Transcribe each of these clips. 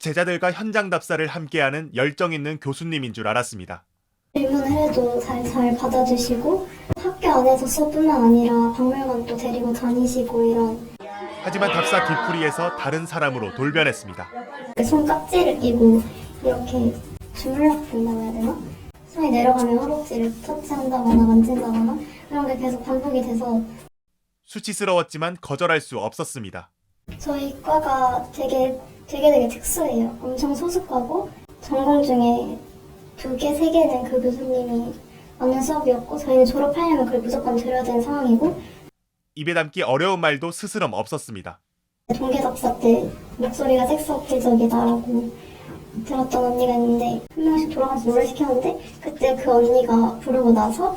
제자들과 현장 답사를 함께하는 열정 있는 교수님인 줄 알았습니다. 질문을 해도 잘 받아주시고 학교 안에서 수업뿐만 아니라 박물관도 데리고 다니시고 이런. 하지만 답사 뒤풀이에서 다른 사람으로 돌변했습니다. 손깍지를 끼고 이렇게 주물럭된다고 해야 되나? 손이 내려가면 허벅지를 터치한다거나 만진다거나 그런 게 계속 반복이 돼서 수치스러웠지만 거절할 수 없었습니다. 저희 과가 되게 특수해요. 엄청 소수과고 전공 중에 2개, 3개는 그 교수님이 맞는 수업이었고 저희는 졸업하려면 그걸 무조건 들어야 되는 상황이고 입에 담기 어려운 말도 스스럼 없었습니다. 동계답사 때 목소리가 섹스 어필적이다라고 들었던 언니가 있는데 한 명씩 돌아가서 노래 시켰는데 그때 그 언니가 부르고 나서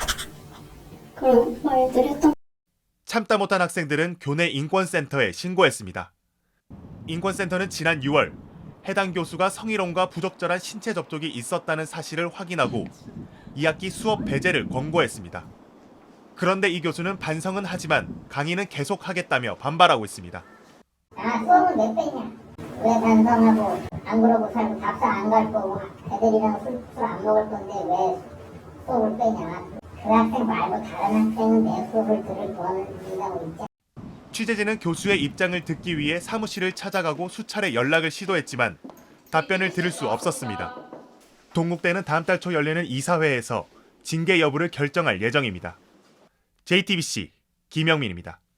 그런 말들 했던. 참다 못한 학생들은 교내 인권센터에 신고했습니다. 인권센터는 지난 6월 해당 교수가 성희롱과 부적절한 신체 접촉이 있었다는 사실을 확인하고 2학기 수업 배제를 권고했습니다. 그런데 이 교수는 반성은 하지만 강의는 계속하겠다며 반발하고 있습니다. 수업은 몇 배냐? 왜 반성하고 안 그러고 살고 답사 안 갈 거고 애들이랑 술 안 먹을 건데 왜 수업을 빼냐? 그 학생 말고 다른 학생은 내 수업을 들을 권을 준다고 있지. 취재진은 교수의 입장을 듣기 위해 사무실을 찾아가고 수차례 연락을 시도했지만 답변을 들을 수 없었습니다. 동국대는 다음 달 초 열리는 이사회에서 징계 여부를 결정할 예정입니다. JTBC 김영민입니다.